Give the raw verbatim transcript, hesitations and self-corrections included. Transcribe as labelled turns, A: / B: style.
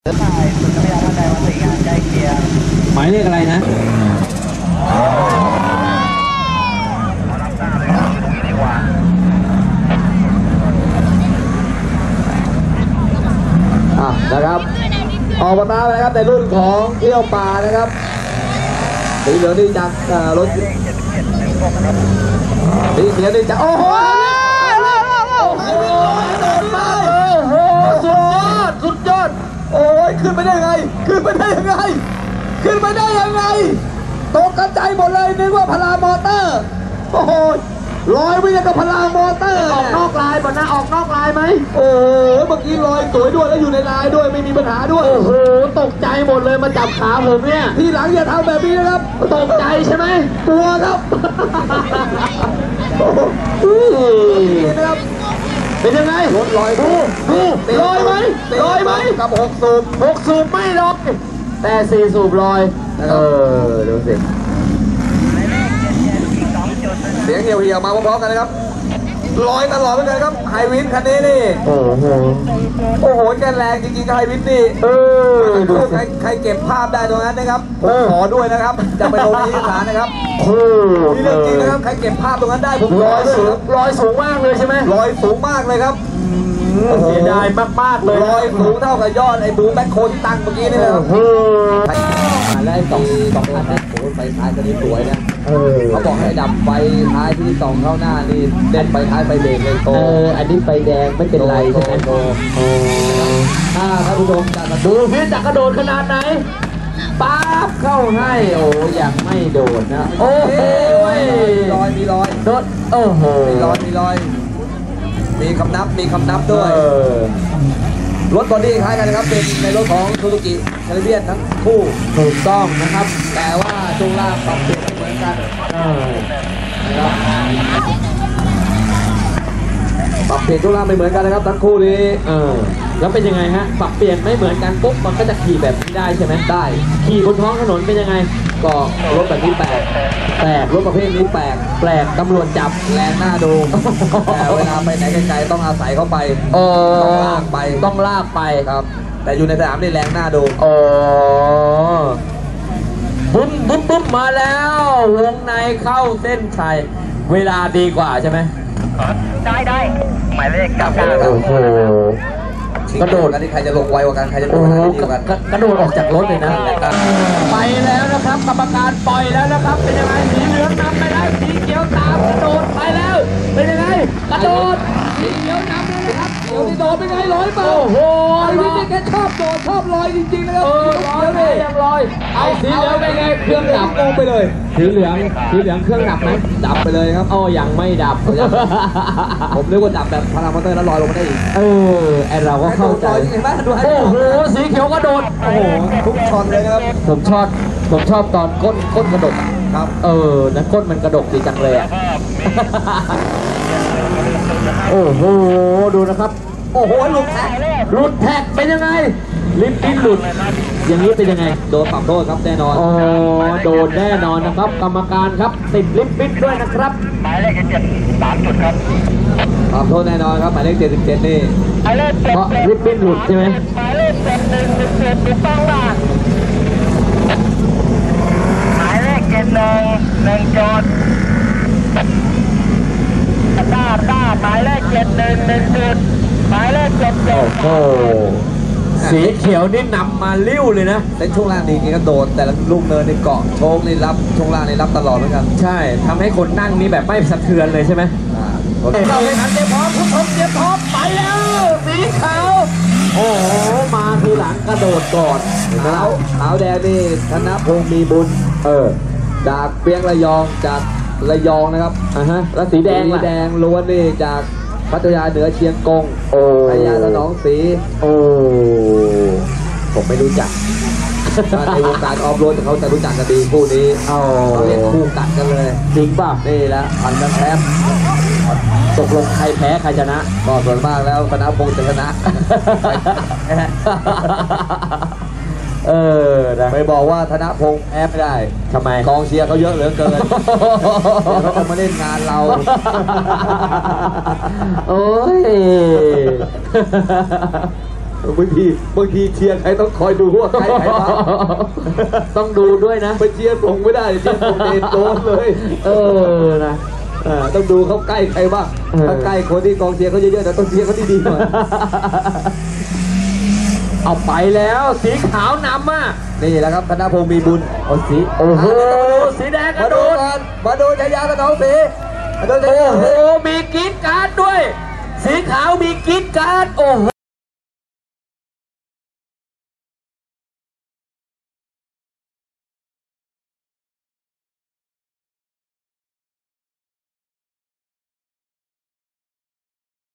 A: หมายเลขอะไรนะอ่ะนะครับออกมาตามนะครับในรุ่นของเที่ยวป่านะครับสีเหลืองนี่จากรถสีเขียวนี่จากโอ้โหสุดยอดสุดยอดโอ้ยขึ้นไปได้ยังไงขึ้นไปได้ยังไงขึ้นไปได้ยังไงตกกระจายหมดเลยนึกว่าพลามอเตอร์โอ้โหลอยไปยังกับพลามอเตอร์ออกนอกลายป่ะนะออกนอกลายไหมโอ้โหเมื่อกี้ลอยสวยด้วยแล้วอยู่ในลายด้วยไม่มีปัญหาด้วยโอ้โหตกใจหมดเลยมาจับขาผมเนี่ยทีหลังอย่าทำแบบนี้นะครับตกใจใช่ไหมกลัวครับเป็นยังไงรถลอยดูดูลอยไหมลอยไหมกับหกสูบหกสูบไม่ลอยแต่สี่สูบลอยเออดูสิเสียงเหี่ยวเหี่ยวมาพร้อมๆกันนะครับลอยตลอดเหมือนกันครับไฮวินคันนี้นี่โอ้โหโอ้โหแกแรงจริงๆไฮวินนี่เออใครใครเก็บภาพได้ตรงนั้นนะครับผมขอด้วยนะครับจะไปลงที่ศาลนะครับนี่เรื่องจริงนะครับใครเก็บภาพตรงนั้นได้ผมลอยสูงลอยสูงมากเลยใช่ไหมลอยสูงมากเลยครับเสียดายมากๆเลยลอยสูงเท่ากับยอดไอ้บูมแบ็คโคที่ตั้งเมื่อกี้นี่นะครับและไอ้สองสองคันนี้โอ้ไฟท้ายก็นี่สวยนะเขาบอกให้ดับไฟท้ายที่สองเข้าหน้านี่เด่นไฟท้ายไฟเบรกเลยโตเอออันนี้ไฟแดงไม่เป็นไรใช่ไหมโตถ้าท่านผู้ชมจะดูพี่จะกระโดดขนาดไหนป๊าบเข้าให้โอ้ยังไม่โดดนะโอ้โหลอยมีลอยโดดโอ้โหมีลอยมีลอยมีคำนับมีคำนับด้วยรถบอดี้คล้ายกันนะครับเป็นในรถของซูซูกิแคริเบียนทั้งคู่ถูกต้องนะครับแต่ว่าช่วงล่างปรับเปลี่ยนไม่เหมือนกันนะครับปรับเปลี่ยนช่วงล่างไม่เหมือนกันนะครับทั้งคู่นี้เออแล้วเป็นยังไงฮะปรับเปลี่ยนไม่เหมือนกันปุ๊บมันก็จะขี่แบบนี้ได้ใช่ไหมได้ขี่บนท้องถนนเป็นยังไงก็รถแบบนี้แปลกแปลกรถประเภทนี้แปลกแปลกตำรวจจับแรงหน้าดูแต่เวลาไปไหนไกลๆต้องอาศัยเข้าไปต้องลากไปต้องลากไปครับแต่อยู่ในสนามนี่แรงหน้าดูอ๋อบุ้มบุ้มบุ้มมาแล้ววงในเข้าเส้นชัยเวลาดีกว่าใช่ไหมได้ได้หมายเลขเก้าเก้าโอ้โหกระโดดกันที่ใครจะลงไวกว่ากันใครจะลงได้ดีกว่ากันกระโดดออกจากรถเลยนะไปแล้วนะครับกรรมการปล่อยแล้วนะครับเป็นยังไงสีเหลืองนำไปแล้วสีเขียวตามกระโดดไปแล้วเป็นยังไงกระโดดสีเขียวนำแล้วนะครับเขียวที่โดดเป็นไงลอยเปล่าโอ้โหนี่แกชอบโดดชอบลอยจริงๆนะครับลอยเลยยังลอยไอ้สีเหลืองเป็นไงเครื่องดับลงไปเลยสีเหลืองสีเหลืองเครื่องดับไหมดับไปเลยครับอ๋อยังไม่ดับผมเรียกว่าดับแบบพารามอเตอร์แล้วลอยลงมาได้อีกเออไอเราก็เข้าใจโอ้โหสีเขียวกระโดดโอ้โหทุกช็อตเลยครับผมชอบผมชอบตอนก้นก้นกระดกครับเออนะก้นมันกระดกดีจังเลยอ่ะโอ้โหดูนะครับโอ้โหหลุดแท็กหลุดแท็กเป็นยังไงลิฟต์ปิ้นหลุดอย่างนี้เป็นยังไงโดนปรับโทษครับแน่นอนอ๋อโดนแน่นอนนะครับกรรมการครับติดลิฟต์ปิ้นด้วยนะครับหมายเลขเจ็ดสามจุดครับปรับโทษแน่นอนครับหมายเลขเจ็ดสิบเจ็ดนี่เพราะลิฟต์ปิ้นหลุดใช่ไหมหมายเลขเจ็ดหนึ่งเจ็ดถูกต้องล่ะหมายเลขเจ็ดหนึ่งหนึ่งจดต้าต้าหมายเลขเจ็ดหนึ่งหนึ่งจุดหมายเลขเจ็ดเจ็ดโอ้สีเขียวนี่นำมาลิ้วเลยนะในช่วงล่างดีจริงก็โดนแต่ละลูกเนินในเกาะโชคนี่รับช่วงล่างนี่รับตลอดเหมือนกันใช่ทำให้คนนั่งนี่แบบไม่สะเทือนเลยใช่ไหมเราเลยทันเตรียมพร้อมผู้ชมเตรียมพร้อมไปแล้วสีขาวโอ้โหมาทีหลังกระโดดก่อนขาวขาวแดงนี่ธนพงษ์มีบุญเออจากเปียงระยองจากระยองนะครับอ่าฮะแล้วสีแดงสีแดงล้วนนี่จากพัทยาเหนือเชียงกงโอ้พัทยาสนองศรีโอ้ผมไม่รู้จักในวงการออฟโรดเขาจะรู้จักกันดีคู่นี้เขาเรียกคู่กัดกันเลยจริงป่ะนี่แหละพันกันแพ้ตกลงใครแพ้ใครชนะก็ส่วนมากแล้วธนพงษ์จะชนะเออไปบอกว่าธนพงษ์แพ้ไม่ได้ทำไมกองเชียร์เขาเยอะเหลือเกินเขาจะมาเล่นงานเราโอ้ยบางทีบางทีเชียร์ใครต้องคอยดูว่าใครใครบ้าง
B: ต้องดูด้วยนะ
A: ไปเชียร์ส่งไม่ได้เชียร์ส่งเดนโดนเลย
B: เออนะ
A: อ่าต้องดูเขาใกล้ใครบ้าง
B: เออ
A: ถ้าใกล้คนที่กองเชียร์เขาเยอะๆนะต้องเชียร์เขาดีๆหน่อย
B: เอาไปแล้วสีขาวนำอ่ะ
A: นี่แหละครับธนพงศ์มีบุญ
B: โอ้สีโอ้โหสีแดงก
A: มา
B: ระโด
A: ดู
B: ด
A: กันมาดูชายาสนองศรีมาดูชา
B: โอ้
A: ยา
B: โหมีกรีดการ์ดด้วย สีขาวมีกรีดการ์ดโอ้โห